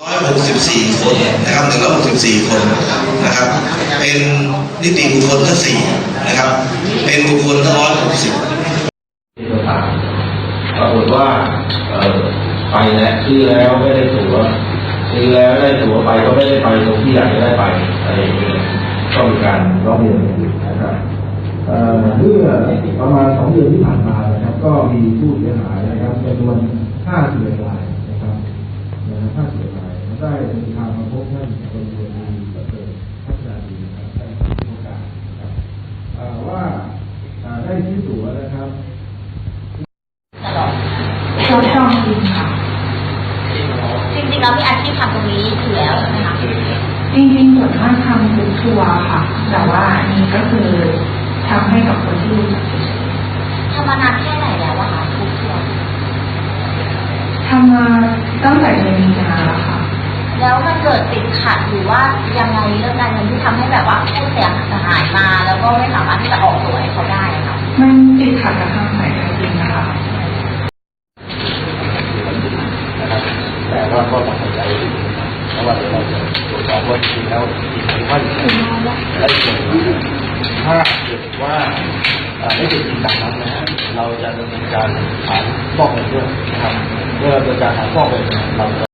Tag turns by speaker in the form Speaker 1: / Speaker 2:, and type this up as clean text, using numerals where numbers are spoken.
Speaker 1: 164 คนนะครับ164 คนนะครับเป็นนิติบุคคลทั้ง4นะครับเป็นบุคคลทั้ง160
Speaker 2: ที่ต่างปรากฏว่าไปแล้วซื้อแล้วไม่ได้ตั๋วซื้อแล้วได้ตั๋วไปก็ไม่ได้ไปตรงที่อยากจะได้ไปอะไรอย่างเงี้ยก็มีการร้องเรียนนะครับเมื่อประมาณ2 เดือนที่ผ่านมานะครับก็มีผู้เสียหายนะครับจำนวน51 รายนะครับ51 รายได้เดินทางมาพบท่านกรมการประเสริฐพัฒนาดีนะครับได้ผู้ประกาศนะครับว่าได้ซื้อตั๋วนะครับ
Speaker 3: ทดลองจริงค่ะจริงๆแล้วมีอาชีพทำตรงนี้อยู่แล้วใช่ไหมคะจริงๆส่วนมากทำเป็นทัวร์ค่ะแต่ว่าอันนี้ก็คือทำให้กับคนที่รู้จักทำมานานแค่ไหนแล้วอะคะทุกทัวร์ทำมาตั้งแต่เดือนมีนาแล้วค่ะแล้วมันเกิดติดขัดหรือว่ายังไงเรื่องการเงินที่ทำให้แบบว่าผู้เสียหายมาแล้วก็ไม่สามารถที่จะออกตัวให้เขาได้ค่ะมันติดขัดกับทางสายการบินนะคะ
Speaker 2: แต่ว่าก็ต้องเข้าใจเพราะว่าเดี๋ยวเราจะตรวจสอบว่าจริงแล้วจริงหรือไม่และอีกอย่างถ้าเกิดว่าไม่เป็นจริงตามนั้นนะฮะเราจะดำเนินการฐานฟอกเงินด้วยนะครับเมื่อดำเนินการฐานฟอกเงินเรา